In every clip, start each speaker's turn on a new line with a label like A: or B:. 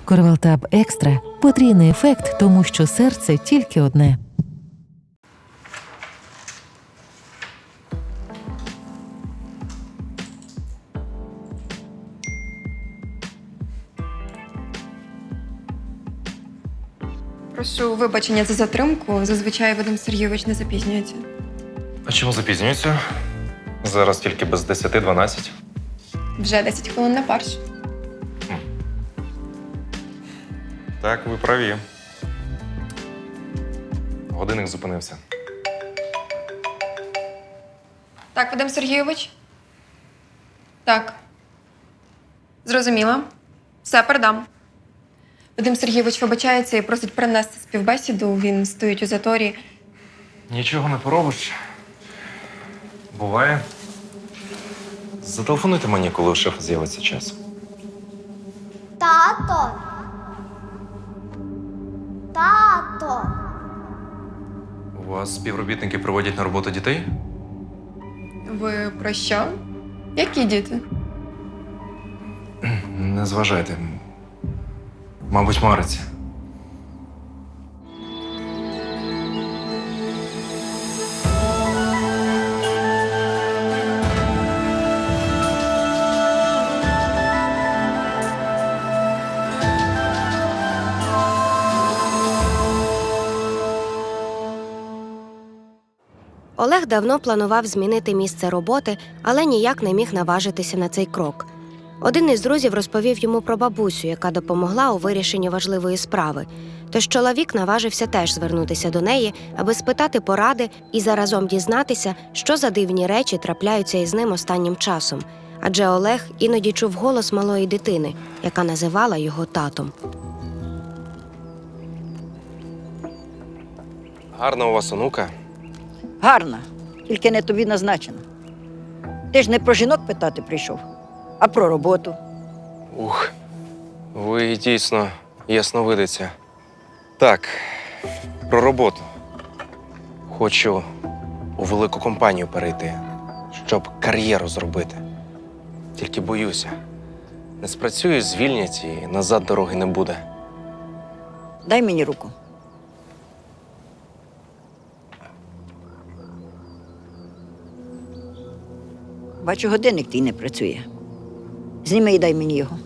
A: Корвалтаб Екстра – потрійний ефект, тому що серце тільки одне.
B: Прошу вибачення за затримку. Зазвичай Вадим Сергійович не запізнюється.
C: А чому запізнюється? Зараз тільки без 10-12.
B: Вже 10 хвилин на фарш.
C: Так, ви праві. Годинник зупинився.
B: Так, Вадим Сергійович? Так. Зрозуміла. Все, передам. Вадим Сергійович вибачається і просить перенести співбесіду. Він стоїть у заторі.
C: Нічого не поробиш. Буває. Зателефонуйте мені, коли у шефа з'явиться час.
D: Тато. Тато.
C: У вас співробітники приводять на роботу дітей?
B: Ви про що? Які діти?
C: Не зважайте. Мабуть, мариться.
E: Олег давно планував змінити місце роботи, але ніяк не міг наважитися на цей крок. Один із друзів розповів йому про бабусю, яка допомогла у вирішенні важливої справи. Тож чоловік наважився теж звернутися до неї, аби спитати поради і заразом дізнатися, що за дивні речі трапляються із ним останнім часом. Адже Олег іноді чув голос малої дитини, яка називала його татом.
C: Гарна у вас онука.
F: Гарна, тільки не тобі назначена. Ти ж не про жінок питати прийшов, а про роботу.
C: Ух, ви дійсно ясновидиця. Так, про роботу. Хочу у велику компанію перейти, щоб кар'єру зробити. Тільки боюся. Не спрацюю, звільнять і назад дороги не буде.
F: Дай мені руку. Бачу, годинник твій не працює. Зніми і дай мені його.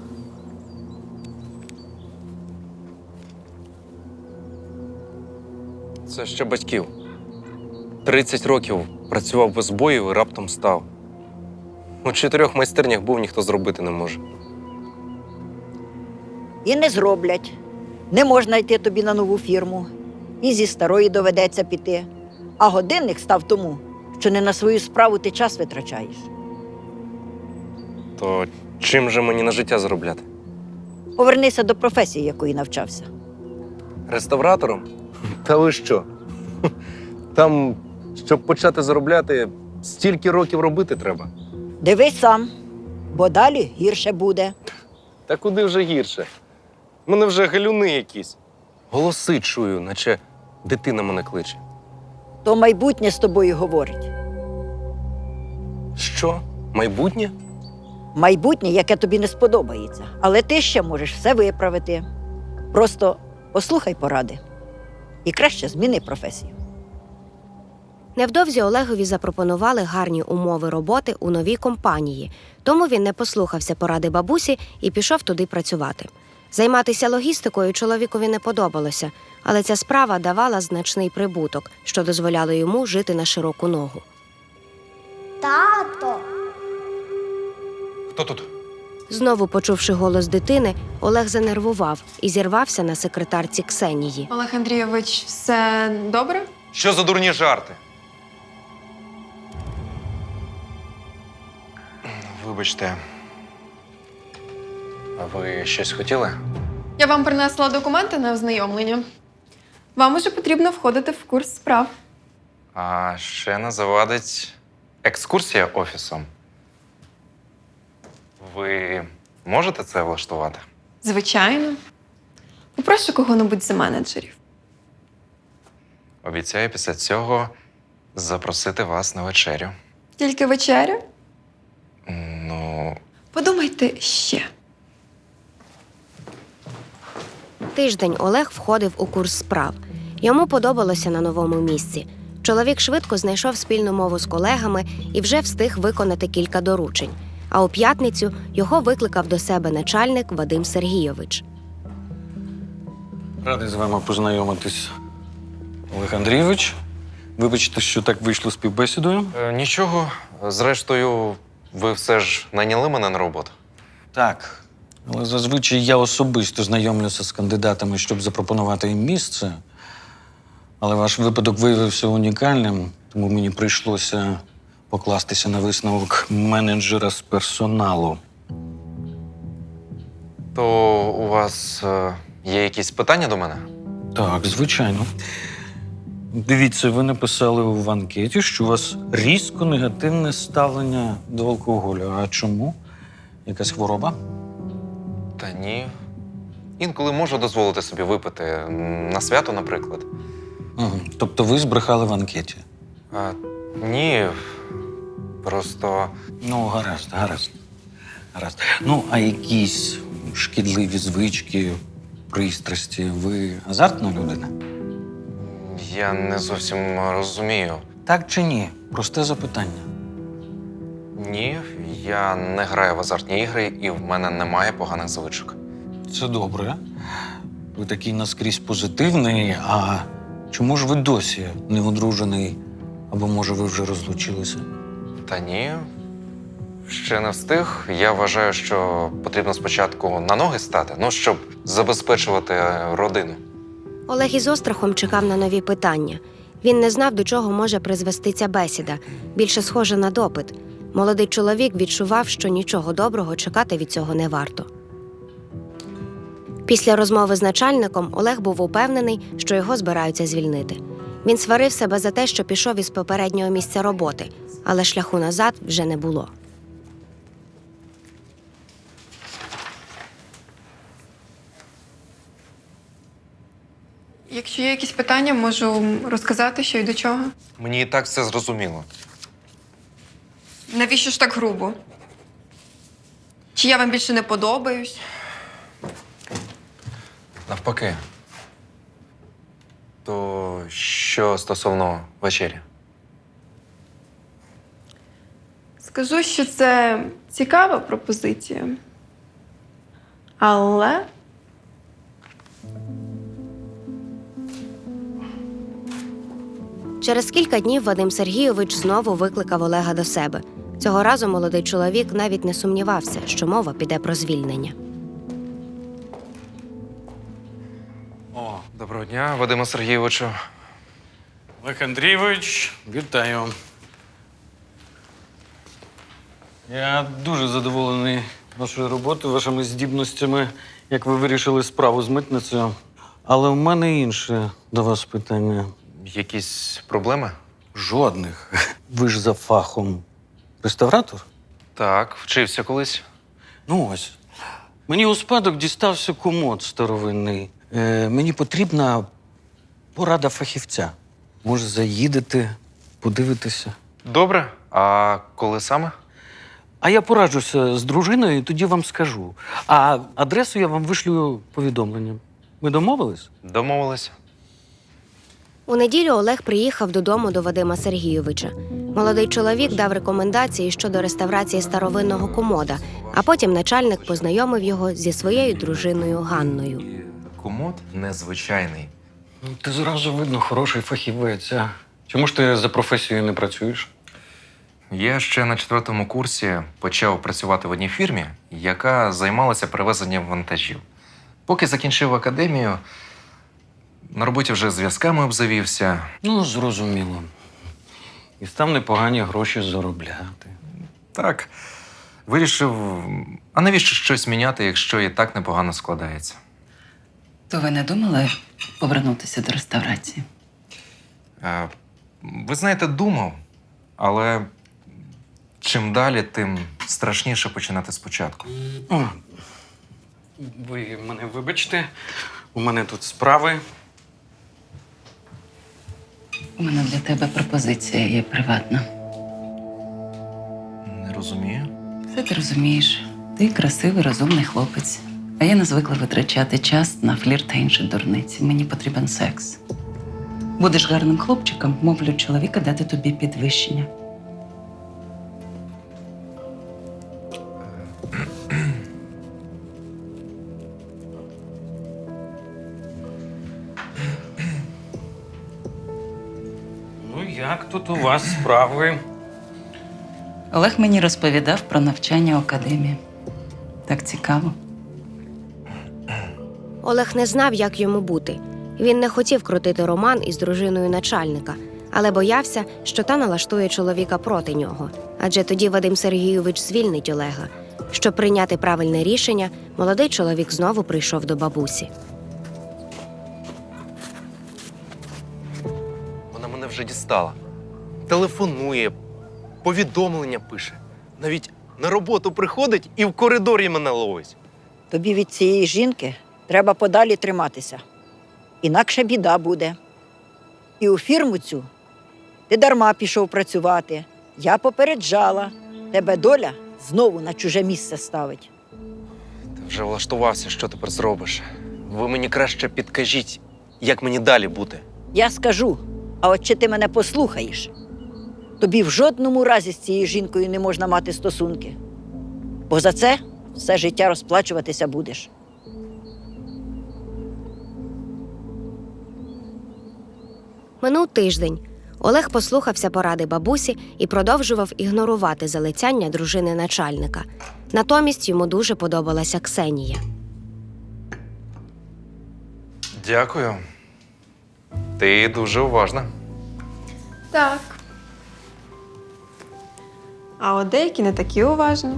C: Це ще батьків. 30 років працював без боїв і раптом став. У 4 майстернях був, ніхто зробити не може.
F: І не зроблять. Не можна йти тобі на нову фірму. І зі старої доведеться піти. А годинник став тому, що не на свою справу ти час витрачаєш.
C: То чим же мені на життя заробляти?
F: Повернися до професії, якої навчався.
C: Реставратором? Та ви що? Там, щоб почати заробляти, стільки років робити треба.
F: Дивись сам, бо далі гірше буде.
C: Та куди вже гірше? У мене вже галюни якісь. Голоси чую, наче дитина мене кличе.
F: То майбутнє з тобою говорить.
C: Що? Майбутнє?
F: Майбутнє, яке тобі не сподобається. Але ти ще можеш все виправити. Просто послухай поради. І краще зміни професію.
E: Невдовзі Олегові запропонували гарні умови роботи у новій компанії, тому він не послухався поради бабусі і пішов туди працювати. Займатися логістикою чоловікові не подобалося, але ця справа давала значний прибуток, що дозволяло йому жити на широку ногу.
D: Тато.
C: Хто тут?
E: Знову почувши голос дитини, Олег занервував і зірвався на секретарці Ксенії.
B: Олег Андрійович, все добре?
C: Що за дурні жарти? Вибачте. А ви щось хотіли?
B: Я вам принесла документи на ознайомлення. Вам уже потрібно входити в курс справ.
C: А ще не завадить екскурсія офісом. Ви можете це влаштувати?
B: Звичайно. Попрошу кого-небудь з менеджерів.
C: Обіцяю після цього запросити вас на вечерю.
B: Тільки вечеря?
C: Ну,
B: Подумайте ще.
E: Тиждень Олег входив у курс справ. Йому подобалося на новому місці. Чоловік швидко знайшов спільну мову з колегами і вже встиг виконати кілька доручень. А у п'ятницю його викликав до себе начальник Вадим Сергійович.
G: Радий з вами познайомитись, Олег Андрійович. Вибачте, що так вийшло з співбесідою.
C: Нічого. Зрештою, ви все ж найняли мене на роботу.
G: Так. Але зазвичай я особисто знайомлюся з кандидатами, щоб запропонувати їм місце. Але ваш випадок виявився унікальним, тому мені прийшлося покластися на висновок менеджера з персоналу.
C: То у вас є якісь питання до мене?
G: Так, звичайно. Дивіться, ви написали в анкеті, що у вас різко негативне ставлення до алкоголю. А чому? Якась хвороба?
C: Та ні. Інколи можу дозволити собі випити на свято, наприклад.
G: Угу. Тобто ви збрехали в анкеті?
C: Ні. Просто
G: Ну, гаразд. Ну, а якісь шкідливі звички, пристрасті? Ви азартна людина?
C: я не зовсім розумію.
G: Так чи ні? Просте запитання.
C: Ні, я не граю в азартні ігри, і в мене немає поганих звичок.
G: Це добре. Ви такий наскрізь позитивний, а чому ж ви досі не одружений? Або, може, ви вже розлучилися?
C: Та ні, ще не встиг. Я вважаю, що потрібно спочатку на ноги стати, щоб забезпечувати родину.
E: Олег із острахом чекав на нові питання. Він не знав, до чого може призвести ця бесіда. Більше схоже на допит. Молодий чоловік відчував, що нічого доброго чекати від цього не варто. Після розмови з начальником Олег був упевнений, що його збираються звільнити. Він сварив себе за те, що пішов із попереднього місця роботи, але шляху назад вже не було.
B: Якщо є якісь питання, можу розказати, що й до чого.
C: Мені і так все зрозуміло.
B: Навіщо ж так грубо? Чи я вам більше не подобаюсь?
C: Навпаки. То що стосовно вечері?
B: Скажу, що це цікава пропозиція. Але
E: Через кілька днів Вадим Сергійович знову викликав Олега до себе. Цього разу молодий чоловік навіть не сумнівався, що мова піде про звільнення.
G: О,
C: Доброго дня, Вадиме Сергійовичу.
G: Олег Андрійович, вітаю. Я дуже задоволений вашою роботою, вашими здібностями, як ви вирішили справу з митницею. Але в мене інше до вас питання.
C: Якісь проблеми?
G: Жодних. Ви ж за фахом реставратор?
C: Так, вчився колись.
G: Ну ось. Мені у спадок дістався комод старовинний. Мені потрібна порада фахівця. Може, заїдете, подивитися.
C: Добре. А коли саме?
G: А я пораджуся з дружиною і тоді вам скажу. А адресу я вам вишлю повідомленням. Ми домовились?
C: Домовилися.
E: У неділю Олег приїхав додому до Вадима Сергійовича. Молодий чоловік дав рекомендації щодо реставрації старовинного комода, а потім начальник познайомив його зі своєю дружиною Ганною.
C: Комод незвичайний.
G: Ну, ти зразу видно хороший фахівець. А чому ж ти за професією не працюєш?
C: Я ще на 4-му курсі почав працювати в одній фірмі, яка займалася перевезенням вантажів. Поки закінчив академію, на роботі вже зв'язками обзавівся.
G: Ну, зрозуміло. І став непогані гроші заробляти.
C: Так, вирішив, а навіщо щось міняти, якщо і так непогано складається?
H: То ви не думали повернутися до реставрації?
C: Ви знаєте, думав, але чим далі, тим страшніше починати спочатку.
G: О, ви мене вибачте, у мене тут справи.
H: У мене для тебе пропозиція є приватна.
C: Не розумію.
H: Все ти розумієш. Ти красивий, розумний хлопець. А я не звикла витрачати час на флірт та інші дурниці. Мені потрібен секс. Будеш гарним хлопчиком, мовлю чоловіка дати тобі підвищення.
G: Ну, як тут у вас справи?
H: Олег мені розповідав про навчання в академії. Так цікаво.
E: Олег не знав, як йому бути. Він не хотів крутити роман із дружиною начальника, але боявся, що та налаштує чоловіка проти нього. Адже тоді Вадим Сергійович звільнить Олега. Щоб прийняти правильне рішення, молодий чоловік знову прийшов до бабусі.
I: Вона мене вже дістала. Телефонує, повідомлення пише. Навіть на роботу приходить і в коридорі мене ловить.
F: Тобі від цієї жінки треба подалі триматися. Інакше біда буде. І у фірму цю ти дарма пішов працювати. Я попереджала. Тебе доля знову на чуже місце ставить.
I: Ти вже влаштувався, що тепер зробиш. Ви мені краще підкажіть, як мені далі бути.
F: Я скажу, а от чи ти мене послухаєш? Тобі в жодному разі з цією жінкою не можна мати стосунки. Бо за це все життя розплачуватися будеш.
E: Минув тиждень. Олег послухався поради бабусі і продовжував ігнорувати залицяння дружини начальника. Натомість йому дуже подобалася Ксенія.
C: Дякую. Ти дуже уважна.
B: Так. А от деякі не такі уважні.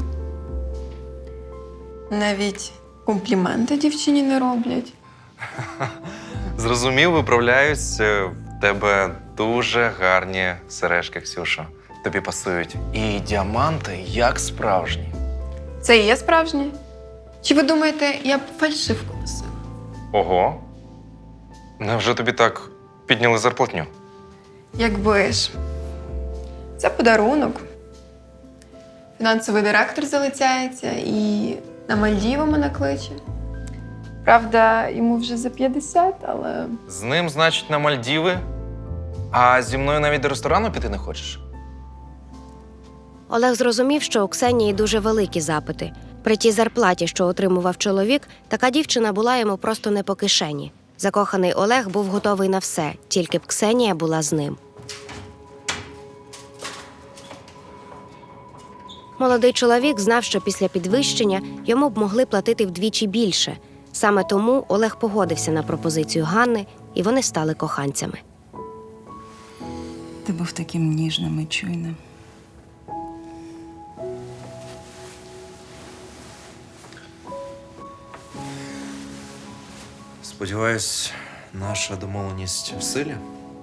B: Навіть компліменти дівчині не роблять.
C: Зрозумів, виправляюсь. В тебе дуже гарні сережки, Ксюшо. Тобі пасують. І діаманти як справжні.
B: Це і є справжнє? Чи ви думаєте, я б фальшивку носила?
C: Ого. Невже тобі так підняли зарплатню?
B: Якби ж. Це подарунок. Фінансовий директор залицяється і на Мальдіви мене кличе. Правда, йому вже за 50, але
C: З ним, значить, на Мальдіви? А зі мною навіть до ресторану піти не хочеш?
E: Олег зрозумів, що у Ксенії дуже великі запити. При тій зарплаті, що отримував чоловік, така дівчина була йому просто не по кишені. Закоханий Олег був готовий на все, тільки б Ксенія була з ним. Молодий чоловік знав, що після підвищення йому б могли платити вдвічі більше. Саме тому Олег погодився на пропозицію Ганни, і вони стали коханцями.
H: Ти був таким ніжним і чуйним.
C: Сподіваюсь, наша домовленість в силі?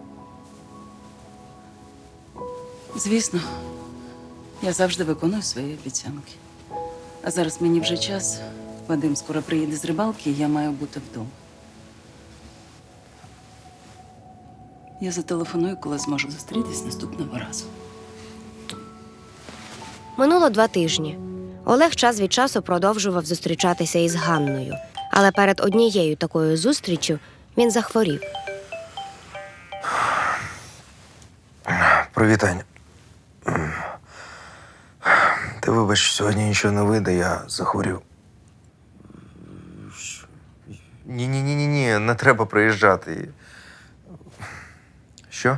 H: Звісно, я завжди виконую свої обіцянки. А зараз мені вже час. Вадим скоро приїде з рибалки, і я маю бути вдома. Я зателефоную, коли зможу зустрітись наступного разу.
E: Минуло 2 тижні. Олег час від часу продовжував зустрічатися із Ганною. Але перед однією такою зустріччю він захворів.
J: Привіт, Ань. Ти вибач, сьогодні нічого не вийде, я захворів. Ні, не треба приїжджати. Що?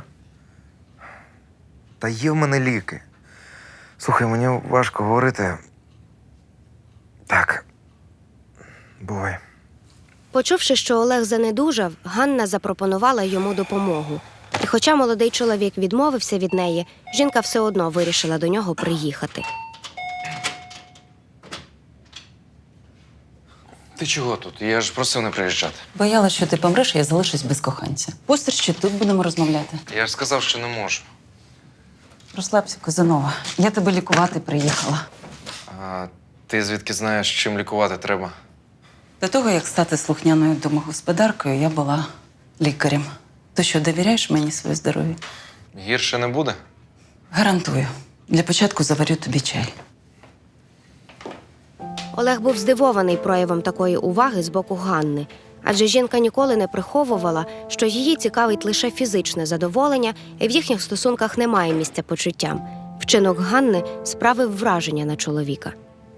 J: Та є в мене ліки. Слухай, мені важко говорити. Так. Бувай.
E: Почувши, що Олег занедужав, Ганна запропонувала йому допомогу. І хоча молодий чоловік відмовився від неї, жінка все одно вирішила до нього приїхати.
C: Ти чого тут? Я ж просив не приїжджати.
H: Боялась, що ти помреш, і я залишусь без коханця. Пустиш, чи тут будемо розмовляти?
C: Я ж сказав, що не можу.
H: Розслабся, Казанова. Я тебе лікувати приїхала.
C: А ти звідки знаєш, чим лікувати треба?
H: До того, як стати слухняною домогосподаркою, я була лікарем. Ти що, довіряєш мені своє здоров'я?
C: Гірше не буде?
H: Гарантую. Для початку заварю тобі чай.
E: Олег був здивований проявом такої уваги з боку Ганни, адже жінка ніколи не приховувала, що її цікавить лише фізичне задоволення, і в їхніх стосунках немає місця почуттям. Вчинок Ганни справив враження на чоловіка.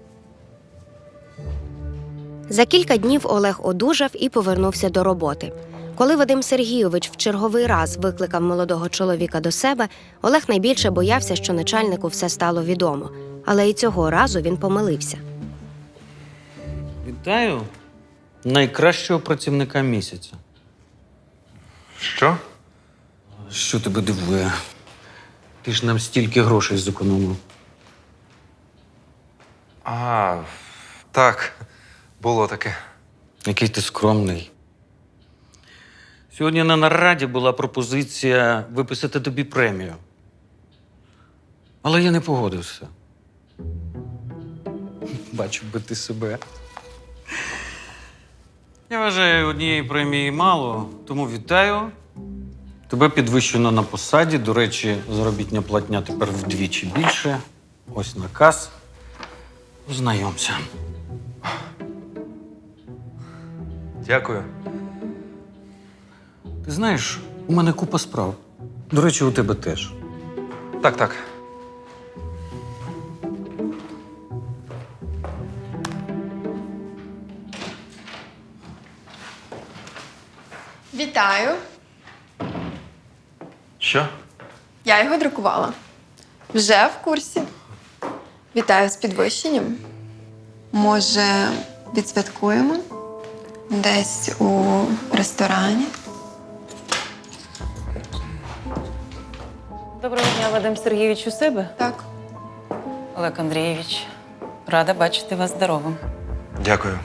E: За кілька днів Олег одужав і повернувся до роботи. Коли Вадим Сергійович в черговий раз викликав молодого чоловіка до себе, Олег найбільше боявся, що начальнику все стало відомо. Але і цього разу він помилився.
G: Вітаю найкращого працівника місяця.
C: Що?
G: Що тебе дивує? Ти ж нам стільки грошей зекономив.
C: А, так, було таке.
G: Який ти скромний. Сьогодні на нараді була пропозиція виписати тобі премію. Але я не погодився. Бачив би ти себе. Я вважаю, однієї премії мало, тому вітаю. Тебе підвищено на посаді. До речі, заробітня платня тепер вдвічі більше. Ось наказ. Ознайомся.
C: Дякую.
G: Ти знаєш, у мене купа справ. До речі, у тебе теж.
C: Так.
B: Вітаю!
C: Що?
B: Я його друкувала. Вже в курсі. Вітаю з підвищенням. Може, відсвяткуємо? Десь у ресторані?
H: Доброго дня, Вадим Сергійович, у себе?
B: Так.
H: Олег Андрійович, рада бачити вас здоровим.
C: Дякую.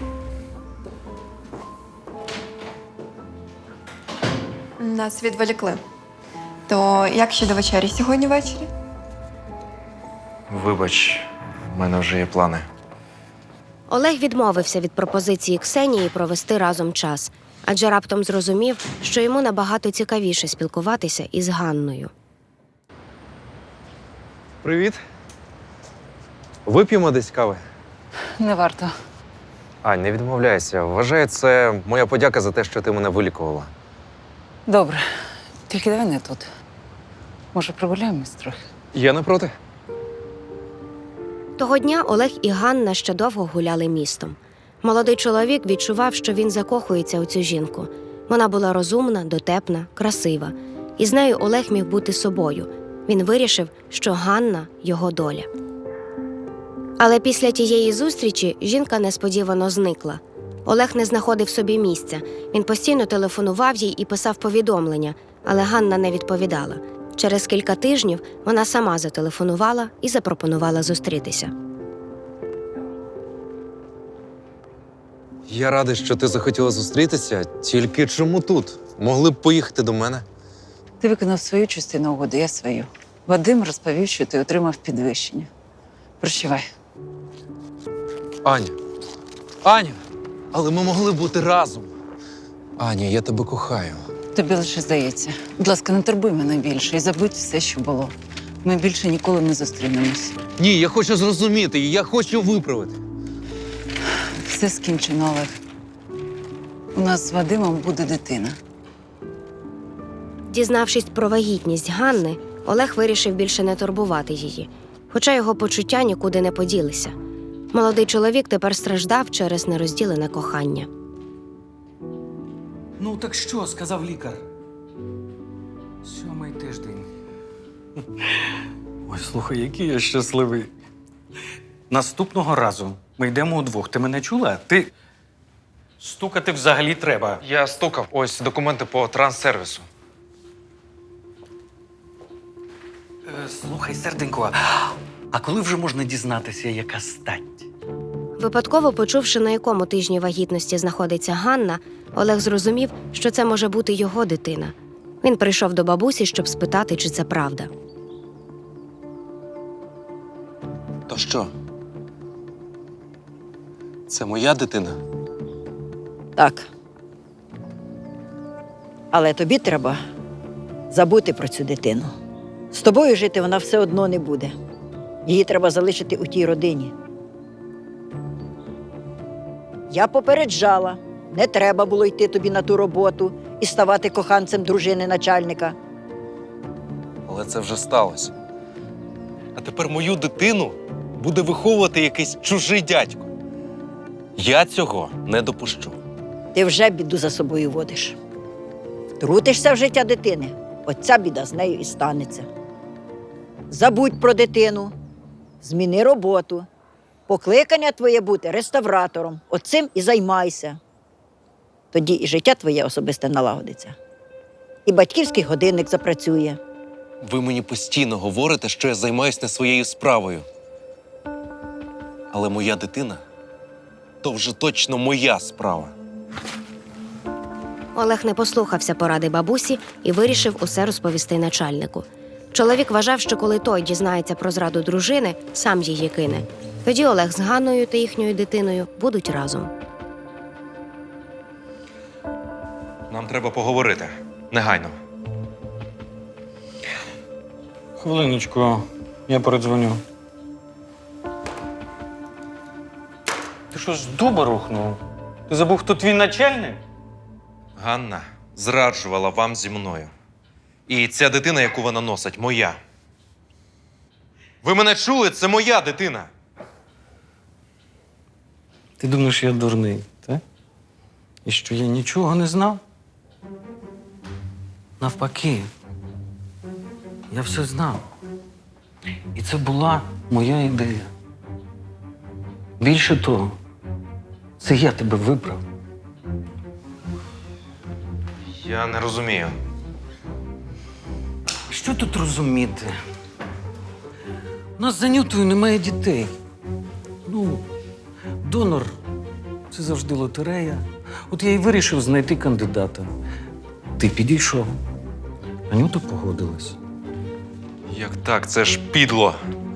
B: Нас відволікли. То як щодо вечері сьогодні ввечері?
C: Вибач, в мене вже є плани.
E: Олег відмовився від пропозиції Ксенії провести разом час, адже раптом зрозумів, що йому набагато цікавіше спілкуватися із Ганною.
I: Привіт. Вип'ємо десь кави.
H: Не варто.
C: Ань, не відмовляйся. Вважаю, це моя подяка за те, що ти мене вилікувала.
H: Добре, тільки давай не тут. Може, прогуляємось трохи?
I: Я не проти.
E: Того дня Олег і Ганна ще довго гуляли містом. Молодий чоловік відчував, що він закохується у цю жінку. Вона була розумна, дотепна, красива. І з нею Олег міг бути собою. Він вирішив, що Ганна – його доля. Але після тієї зустрічі жінка несподівано зникла. Олег не знаходив собі місця. Він постійно телефонував їй і писав повідомлення, але Ганна не відповідала. Через кілька тижнів вона сама зателефонувала і запропонувала зустрітися.
I: Я радий, що ти захотіла зустрітися. Тільки чому тут? Могли б поїхати до мене.
H: Ти виконав свою частину угоди, я свою. Вадим розповів, що ти отримав підвищення. Прощавай.
I: Аня, але ми могли бути разом. Аня, я тебе кохаю.
H: Тобі лише здається. Будь ласка, не турбуй мене більше і забудь все, що було. Ми більше ніколи не зустрінемось.
I: Ні, я хочу зрозуміти її, я хочу виправити.
H: Все скінчено, Олег. У нас з Вадимом буде дитина.
E: Дізнавшись про вагітність Ганни, Олег вирішив більше не турбувати її, хоча його почуття нікуди не поділися. Молодий чоловік тепер страждав через нерозділене кохання.
G: Ну, так що, сказав лікар? 7-й тиждень. Ой, слухай, який я щасливий. Наступного разу ми йдемо удвох. Ти мене чула? Ти стукати взагалі треба.
C: Я стукав. Ось документи по транссервісу.
G: Слухай, серденько, а коли вже можна дізнатися, яка стать?
E: Випадково почувши, на якому тижні вагітності знаходиться Ганна, Олег зрозумів, що це може бути його дитина. Він прийшов до бабусі, щоб спитати, чи це правда.
I: То що? Це моя дитина?
F: Так. Але тобі треба забути про цю дитину. З тобою жити вона все одно не буде. Її треба залишити у тій родині. Я попереджала. Не треба було йти тобі на ту роботу і ставати коханцем дружини начальника.
I: Але це вже сталося. А тепер мою дитину буде виховувати якийсь чужий дядько. Я цього не допущу.
F: Ти вже біду за собою водиш. Втрутишся в життя дитини, оця біда з нею і станеться. Забудь про дитину, зміни роботу. Покликання твоє бути реставратором. Оцим і займайся. Тоді і життя твоє особисте налагодиться. І батьківський годинник запрацює.
I: Ви мені постійно говорите, що я займаюсь не своєю справою. Але моя дитина – то вже точно моя справа.
E: Олег не послухався поради бабусі і вирішив усе розповісти начальнику. Чоловік вважав, що коли той дізнається про зраду дружини, сам її кине. Тоді Олег з Ганною та їхньою дитиною будуть разом.
C: Нам треба поговорити. Негайно.
G: Хвилиночку, я передзвоню. Ти що з дуба рухнув? Ти забув, хто твій начальник?
C: Ганна зраджувала вам зі мною. І ця дитина, яку вона носить, моя. Ви мене чули? Це моя дитина.
G: Ти думаєш, я дурний, так? І що я нічого не знав? Навпаки, я все знав. І це була моя ідея. Більше того, це я тебе вибрав.
C: Я не розумію.
G: Що тут розуміти? У нас за Нютою немає дітей. Ну, донор – це завжди лотерея. От я й вирішив знайти кандидата. Ти підійшов. Анюта погодилась.
C: Як так? Це ж підло.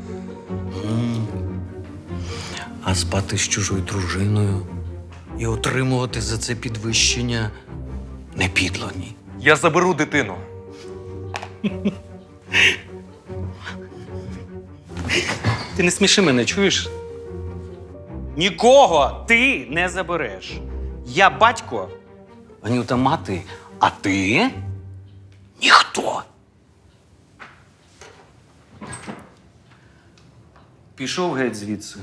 G: А спати з чужою дружиною і отримувати за це підвищення не підло, ні.
C: Я заберу дитину.
G: Ти не сміши мене, чуєш? Нікого ти не забереш. Я батько, Анюта мати, а ти ніхто. Пішов геть звідси.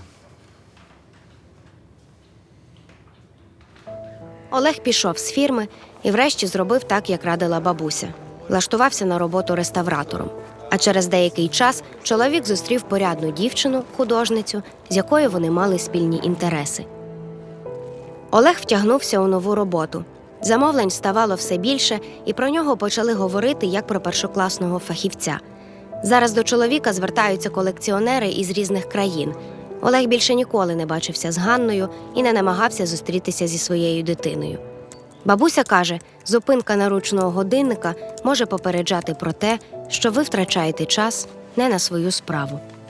E: Олег пішов з фірми і врешті зробив так, як радила бабуся. Влаштувався на роботу реставратором. А через деякий час чоловік зустрів порядну дівчину, художницю, з якою вони мали спільні інтереси. Олег втягнувся у нову роботу. Замовлень ставало все більше, і про нього почали говорити як про першокласного фахівця. Зараз до чоловіка звертаються колекціонери із різних країн. Олег більше ніколи не бачився з Ганною і не намагався зустрітися зі своєю дитиною. Бабуся каже, зупинка наручного годинника може попереджати про те, що ви втрачаєте час не на свою справу.